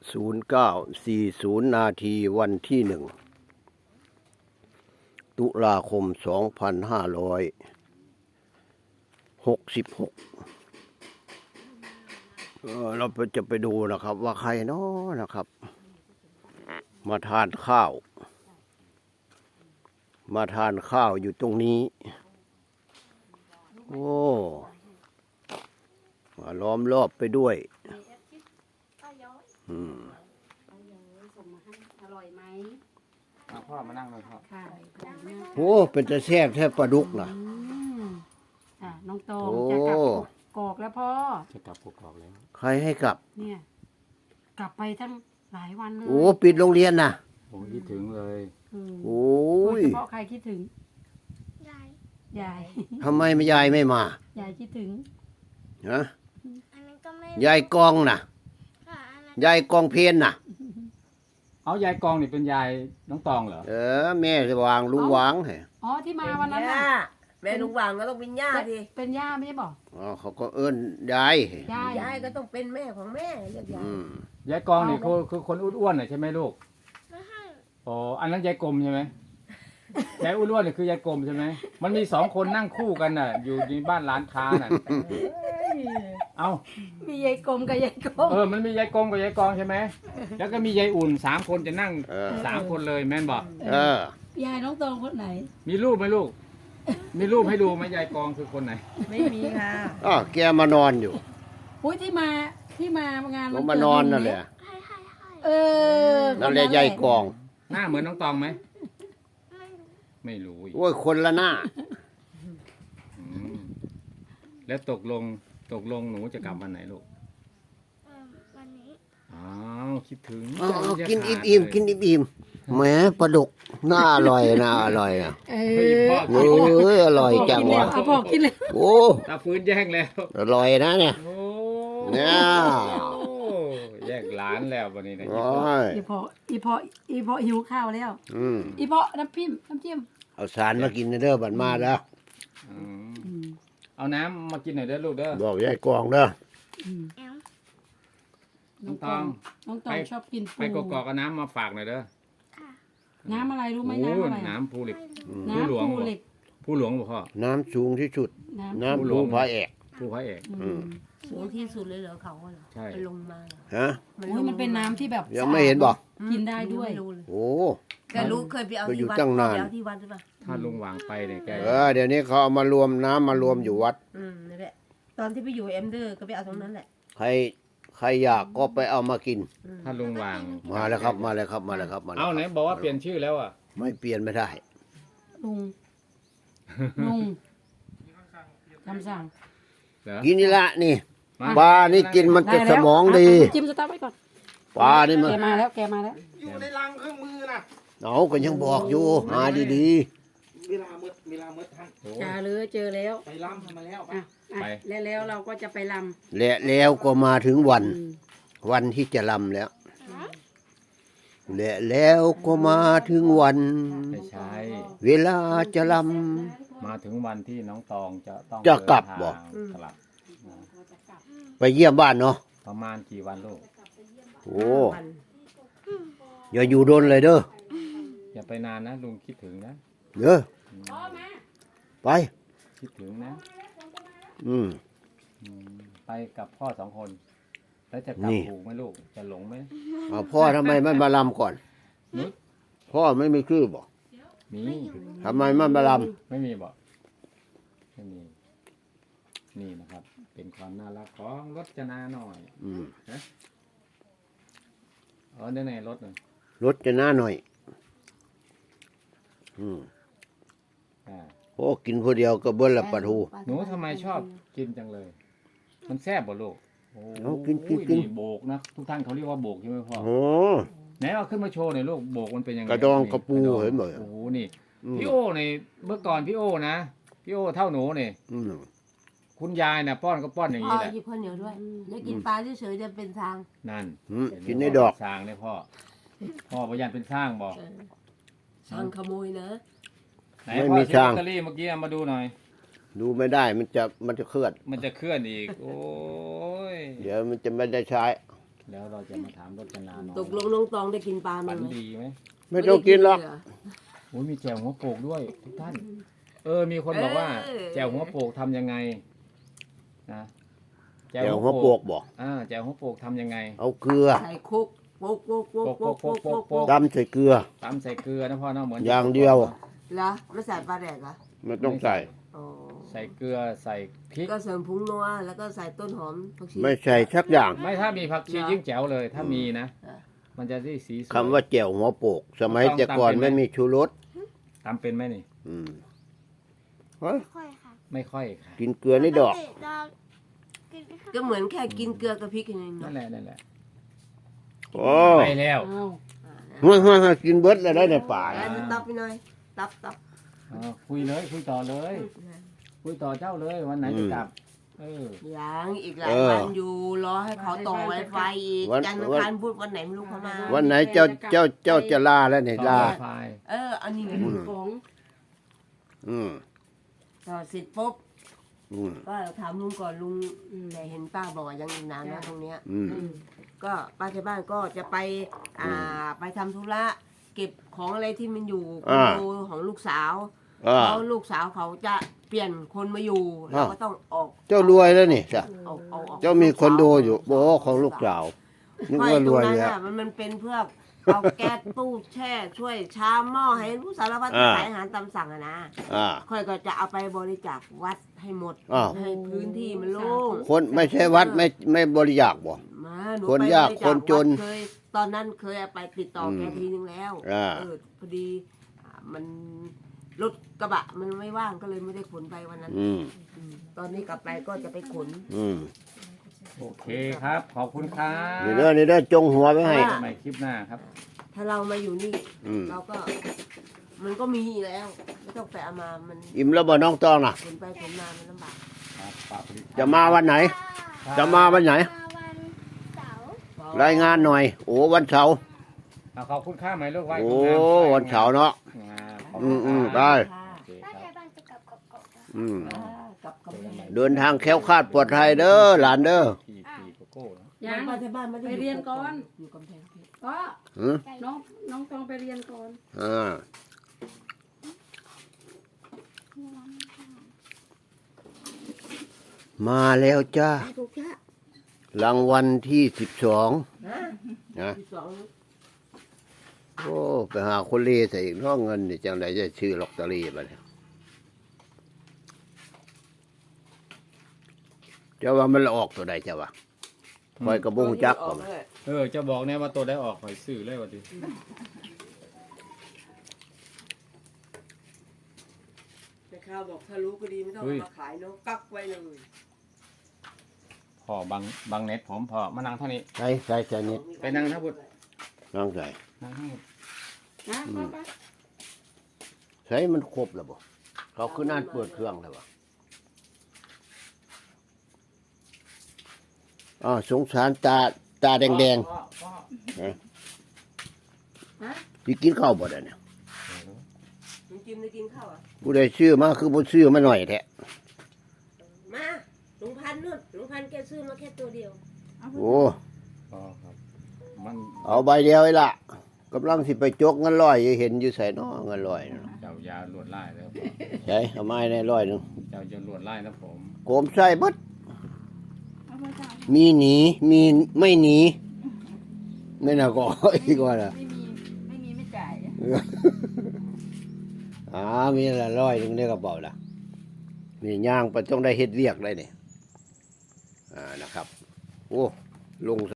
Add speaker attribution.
Speaker 1: 09:40 นาทีวันที่1 ตุลาคม 2566เราจะไปดูนะครับว่าใครเนาะนะครับ มาทานข้าว อยู่ตรงนี้ โอ้มาล้อมรอบไปด้วย
Speaker 2: อร่อยไหม
Speaker 3: พ่อมานั่งเลยพ่อ
Speaker 2: ค่ะ
Speaker 1: โอ้เป็นจะแซ่บแทบปลาดุกนะ
Speaker 2: น้องโตมจะกลับกอกแล้วพ่อ
Speaker 3: จะกลับกอกแล้ว
Speaker 1: ใครให้กลับ
Speaker 2: เนี่ยกลับไปทั้งหลายวันเลย
Speaker 1: โอ้ปิดโรงเรียนนะ
Speaker 3: ผมคิดถึงเลย
Speaker 1: โอ้ย
Speaker 2: เฉพาะใครคิดถึงยาย
Speaker 1: ทำไมยายไม่มาย
Speaker 2: ายคิดถึง
Speaker 1: ฮะยายกองน่ะยายกองเพนน่ะ
Speaker 3: เอายายกองนี่เป็นยายน้องตองเหรอ
Speaker 1: แม่จะวางลุงวางเหรอ
Speaker 2: อ๋อที่มาวันนั้นน่ะ
Speaker 4: แม่ลุงวางก็ต้องเป็นย่าดิ
Speaker 2: เป็นย่าไม่ใช่บอก
Speaker 1: อ๋อเขาก็เอิ้นยาย
Speaker 4: ยายก็ต้องเป็นแม่ของแม่เรียกยาย
Speaker 3: ยายกองนี่คือคนอ้วนๆน่ะใช่ไหมลูกอ๋ออันนั้นยายกลมใช่ไหมยายอ้วนๆนี่คือยายกลมใช่ไหมมันมี2 คนนั่งคู่กันน่ะอยู่ในบ้านร้านค้าน่ะเอา
Speaker 2: มียายกลมกับยายกอง
Speaker 3: มันมียายกลมกับยายกองใช่ไหมแล้วก็มียายอุ่น3 คนจะนั่ง3 คนเลยแม่นบอก
Speaker 2: ยายน้องตองคนไหน
Speaker 3: มีรูปไหมลูกมีรูปให้ดูไหมยายกองคือคนไหน
Speaker 4: ไม่มีค่ะ
Speaker 1: แกมานอนอยู่
Speaker 2: อุ้ยที่มางาน
Speaker 1: มันมานอนนั่นแหละนั่นแหละยายกอง
Speaker 3: หน้าเหมือนน้องตองไหมไม่รู้
Speaker 1: โอ้ยคนละหน้า
Speaker 3: แล้วตกลงหนูจะกลับวันไหนลูก
Speaker 4: วันนี้
Speaker 3: คิดถึง
Speaker 1: กินอิ่มกินอิ่มแหมปลาดุกน่าอร่อยนะอร่อยอ่ะโอ้ยอร่อยจังวะ
Speaker 2: เขาบอกกินเลย
Speaker 1: โอ้
Speaker 3: ตาฟื้นแย่งแล้ว
Speaker 1: อร่อยนะเนี่ยเนี่ย
Speaker 3: แยกร้านแล้ววันนี้นะ
Speaker 2: อีพอหิวข้าวแล้วอีพอน้ำจิ้ม
Speaker 1: เอาสารมากินเด้อบัดมาแล้ว
Speaker 3: เอาน้ำมากินหน่อยเด้อลูกเด้อ
Speaker 1: บอกยายกองเด้อ
Speaker 3: น้องตอง
Speaker 2: ชอบกิน
Speaker 3: ไปกอกเอาน้ำมาฝากหน่อยเด้อ
Speaker 2: น้ำอะไรรู้ไหมน้ำอะไร
Speaker 3: น้ำภูเหล็ก
Speaker 2: ผู้หลวง
Speaker 3: พ่อ
Speaker 1: น้ำสูงที่สุดน้ำภูพระเอก
Speaker 4: สูงที่สุดเลยเหรอเขาเหรอ
Speaker 3: ใช่
Speaker 4: ลงมา
Speaker 1: ฮะ
Speaker 2: มันเป็นน้ำที่แบบ
Speaker 1: ยังไม่เห็นบอก
Speaker 2: กินได้ด้วย
Speaker 1: โอ้
Speaker 4: แต่รู้เคยไปเอาที่วัดที่วัดใช่ปะ
Speaker 3: ถ้าลุงวางไปเนี่ยแก
Speaker 1: เดี๋ยวนี้เขาเอามารวมน้ำมารวมอยู่วัด
Speaker 4: นั่นแหละตอนที่ไปอยู่เอ็มเดอร์ก็ไปเอาตรงนั้นแหละ
Speaker 1: ใครอยากก็ไปเอามากิน
Speaker 3: ถ้าลุงวาง
Speaker 1: มาแล้วครับ
Speaker 3: เอาไหนบอกว่าเปลี่ยนชื่อแล้วอ่ะ
Speaker 1: ไม่เปลี่ยนไม่ได้
Speaker 2: ลุงคำสั่ง
Speaker 1: กินนี่ละนี่ปลานี่กินมันจะสมองดี
Speaker 2: จิ้มสตาร์ทไว้ก่อน
Speaker 1: ปลานี่มัน
Speaker 2: แกมาแล้ว
Speaker 5: อยู่ในรังเครื่องมือน่ะ
Speaker 1: ก็ยังบอกอยู่หาดี
Speaker 5: ๆเวลามืดท่าน
Speaker 2: เจอแล้ว
Speaker 5: ไปลำมาแล้ว
Speaker 2: ไปแล้วเราก็จะไปล
Speaker 1: ำแล้วก็มาถึงวันที่จะลำแล้วแล้วก็มาถึงวันเวลาจะล
Speaker 3: ำมาถึงวันที่น้องตอง
Speaker 1: จะกลับบอกไปเยี่ยมบ้านเนาะ
Speaker 3: ประมาณกี่วันลูก
Speaker 1: โอ้อย่าอยู่โดนเลยเด้อ
Speaker 3: อย่าไปนานนะลุงคิดถึงนะ
Speaker 1: เด้อไป
Speaker 3: คิดถึงนะไปกับพ่อ2 คนแล้วจะกลับถูกไหมลูกจะหลงไหม
Speaker 1: พ่อทำไมไม่มาลำก่อนพ่อไม่มีชื่อบอก
Speaker 3: มี
Speaker 1: ทำไมไม่มาล
Speaker 3: ำไม่มีบอกไม่มีนี่นะครับเป็นความน่ารักของรจนาหน่อยนะได้ไหนรถหน่อย
Speaker 1: รจนาหน่อยโอ้กินคนเดียวก็เบิ้ลละปลาทู
Speaker 3: หนูทำไมชอบกินจังเลยมันแซ่บบ่ลูก
Speaker 1: กิน
Speaker 3: โบกนะทุกท่านเขาเรียกว่าโบกใช่ไหมพ่อไหนเอาขึ้นมาโชว์หน่อยลูกโบกมันเป็นยังไง
Speaker 1: กระดองกระปูเห็นไหม
Speaker 3: โอ้โหนี่พี่โอ้ในเมื่อก่อนพี่โอ้นะพี่โอ้เท่าหนูนี่คุณยายนะป้อนก็ป้อนอย่างนี้แหละ
Speaker 4: กินข้าวเหนียวด้วยแล้วกินปลาเฉยๆจะเป็นทาง
Speaker 3: นั่น
Speaker 1: กินในดอก
Speaker 3: สร้างเนี่ยพ่อพยันเป็นสร้างบอก
Speaker 4: สร้างขโมยนะ
Speaker 3: ไหนพ่อซื้อลอตเตอรี่เมื่อกี้มาดูหน่อย
Speaker 1: ดูไม่ได้มันจะเคลื่อน
Speaker 3: อีกโอ้ย
Speaker 1: เดี๋ยวมันจะไม่ได้ใช้
Speaker 3: แล้วเราจะมาถามรจนาหน่อย
Speaker 4: ตกลงน้องตองได้กินปลาไหม
Speaker 3: ฝันดีไหม
Speaker 1: ไม่ต้องกินหรอก
Speaker 3: โอ้ยมีแจ่วหัวโปกด้วยทุกท่าน มีคนบอกว่าแจ่วหัวโปกทำยังไงนะ
Speaker 1: แจ่วหัวโปกบอก
Speaker 3: แจ่วหัวโปกทำยังไง
Speaker 1: เอาเกลือ
Speaker 4: ใส่คุกโป๊กโป๊กโป๊กโป๊กโป๊กโป๊กโป๊ก
Speaker 1: ตำใส่เกลือ
Speaker 3: ตำใส่เกลือนะพ่อเนาะเหมือน
Speaker 1: อย่างเดียว
Speaker 4: เหรอไม่ใส่ปลาแดกเหรอ
Speaker 1: ไม่ต้องใส่
Speaker 4: อ๋อ
Speaker 3: ใส่เกลือใส่พริก
Speaker 4: ก็เสริมผงนัวแล้วก็ใส่ต้นหอมผักชี
Speaker 1: ไม่ใส่สักอย่าง
Speaker 3: ไม่ถ้ามีผักชียิ่งแจ๋วเลย ถ้ามีนะ
Speaker 4: อ่ะ
Speaker 3: มันจะได้สีสวย
Speaker 1: คำว่าแจ่วหัวโปก สมัยแต่ก่อนไม่มีชูรส
Speaker 3: ตำเป็นไหมนี่
Speaker 1: อืมเฮ้ย
Speaker 6: ค่อยค่ะ
Speaker 3: ไม่ค่อยค่ะ
Speaker 1: กินเกลือนี่ดอก
Speaker 6: กินไม่ค่อย
Speaker 4: ก็เหมือนแค่กินเกลือกับพริกอย่างนี้
Speaker 3: นั่น
Speaker 4: เนาะ
Speaker 3: แหละนั่นแหละ
Speaker 1: โอ้
Speaker 3: ไปแล้ว
Speaker 2: อ้าว
Speaker 1: ห้วยกินเบิดแล้วได้ในป่า
Speaker 4: แล้วจะตับไปหน่อยตับ
Speaker 3: คุยเลยคุยต่อเลย คุยต่อเจ้าเลยวันไหนจะกลับ
Speaker 4: ยังอีกหลายวันอยู่รอให้เขาต่อไวไฟอีกจันทร์อังคารพุธวันไหนไม่รู้เขามา
Speaker 1: วันไหนเจ้าจะลาแล้วเนี่ย
Speaker 3: ต่อ
Speaker 1: ลา
Speaker 3: ไฟ
Speaker 4: อันนี้
Speaker 2: ของ
Speaker 1: อืม
Speaker 4: ต่อเสร็จปุ๊บ
Speaker 1: อืม
Speaker 4: ก็ถามลุงก่อนลุงแต่เห็นป้าบอกว่ายังอีกนานนะตรงเนี้ย
Speaker 1: อืม
Speaker 4: ก็ป้าที่บ้านก็จะไปไปทำธุระเก็บของอะไรที่มันอยู่คอนโดของลูกสาว
Speaker 1: อ่า
Speaker 4: เพราะลูกสาวเขาจะเปลี่ยนคนมาอยู่เราก็ต้องออก
Speaker 1: เจ้ารวยแล้วนี่จ้ะ
Speaker 4: ออก
Speaker 1: เจ้ามีคอนโดอยู่โบของลูกสาวนึก
Speaker 4: ไม่
Speaker 1: ว่า
Speaker 4: ต
Speaker 1: ร
Speaker 4: รง
Speaker 1: วย
Speaker 4: นั้น
Speaker 1: แล้ว
Speaker 4: อ่ะมันเป็นเพื่อเอาแก๊สตู้แช่ช่วยชามหม้อให้รู้สารพัดที่ขายอาหารตามสั่งอะนะ
Speaker 1: อ่า
Speaker 4: ค่อยก็จะเอาไปบริจาควัดให้หมด
Speaker 1: อ้าว
Speaker 4: ให้พื้นที่มันโล่ง
Speaker 1: คนไม่ใช่วัดไม่บริจาคบ่
Speaker 4: มาหนู
Speaker 1: คน
Speaker 4: ไป
Speaker 1: ยาก
Speaker 4: บริจ
Speaker 1: คนจน
Speaker 4: วัดเคยตอนนั้นเคยไปติดต่อแกทีนึงแล้ว พอดีมันรถกระบะมันไม่ว่างก็เลยไม่ได้ขนไปวันนั้น
Speaker 1: อืม
Speaker 4: ตอนนี้กลับไปก็จะไปขน
Speaker 1: อืม
Speaker 3: โอเคครับ ขอบคุณครับ
Speaker 1: นี่เด้อจงหัวไว้ให้
Speaker 3: ใหม่คลิปหน้าครับ
Speaker 4: ถ้าเรามาอยู่นี่
Speaker 1: อืม
Speaker 4: เราก็มันก็มีแล้ว ไม่ต้องไปเอามามัน
Speaker 1: อิ่มแล้วบ่น้องตองน่ะ
Speaker 4: ขนไปขนมามันลำบาก
Speaker 3: ครับฝากผลิต
Speaker 1: จะมาวันไหน จะมาวันไหน
Speaker 6: มาวันเสาร์
Speaker 1: รายงานหน่อย โอ้วันเสาร์
Speaker 3: ขอบคุณค่าไหมลูกไว้
Speaker 1: โอ้
Speaker 3: คุณงาม
Speaker 1: วันเสาร์เนาะ
Speaker 3: ขอบคุณ
Speaker 1: อืม
Speaker 3: ครับ
Speaker 1: ได้
Speaker 3: โอเค
Speaker 6: ป้า
Speaker 3: ค
Speaker 6: ไท
Speaker 3: รับ
Speaker 6: ยบ้านจะกลับกบนะ
Speaker 1: อืม
Speaker 4: กับ
Speaker 1: เดินทางแคล้วคลาดปลอดภัยเด้อหลานเด้อ
Speaker 3: พี่โกโก้เนอะ
Speaker 2: ยัง
Speaker 4: บ้านที่บ้านไม่ได้
Speaker 2: ไปเรียนก่อน
Speaker 4: อยู่กำแพงเพชร
Speaker 2: ก็
Speaker 1: หือ
Speaker 2: น้องต้องไปเรียนก่อน
Speaker 1: อ่ามาแล้วจ้า
Speaker 4: ถูกจ้ะ
Speaker 1: รางวัลที่12นะ
Speaker 4: ที่สอง
Speaker 1: โอ้ไปหาคนเล่ใส่อีกเนาะเงินนี่จังไดจะชื่อลอตเตอรี่บัดนี้เจ้าว่ามันออกตัวใดเจ้าวะคอยกระบงจัก
Speaker 4: อ
Speaker 1: บ่
Speaker 4: อก
Speaker 1: มา
Speaker 4: เลย
Speaker 3: จะบอกเนี่ยว่าตัวได้ออกหอยสื่อเลยวันนี้
Speaker 4: แต่ข้าวบอกถ้ารู้ก็ดีไม่ต้องเอามาขายเนาะกักไว้เลย
Speaker 3: พอบางเน็ตผมพอมานั่งเท่านี้
Speaker 1: ใส่นิด
Speaker 3: ไปนั่งท่าบุตร
Speaker 1: น้องใส่
Speaker 3: นั่งทั้งหมด
Speaker 2: นะไป
Speaker 1: ใส่มันครบแล้วบ่เขาคือนั่นเปิดเครื่องแล้วบ่อ๋อสงสารตาแดง
Speaker 3: พ่อ
Speaker 1: ๆสิกินข้าวบ่ได้เนี่ย
Speaker 4: ลุงจิมได้กินข้าวอ่ะ
Speaker 1: ผู้ใดซื้อมาคือบ่ซื้อมาหน่อยแท้
Speaker 4: มาลุงพันธุ์นู่นลุงพันธุ์แกซื้อมาแค่ตัวเดียว
Speaker 1: โอ้
Speaker 3: พ่อครับมัน
Speaker 1: เอาใบเดียวไอ้ละกำลังสิไปจกเงินร้อยอยู่เห็นอยู่ใส่น้อเงินร้อยนั่นน่ะ
Speaker 3: เจ้ายาลวดไล่แล้วพ่อ
Speaker 1: ใช่เอาไม้ในร้อยหนึง
Speaker 3: เจ้าจะลวดไล่นะผม
Speaker 1: โกมใส่เบิดมีหนีมีไม่หนีไม่น่าก็ อีกว่าล่ะ
Speaker 2: ไม่มีไม่จ่าย
Speaker 1: มีละร้อยหนึงในกระเป๋าล่ะนี่ย่างไปต้องได้เฮ็ดเวียกได้นี่นะครับ โอ้ลง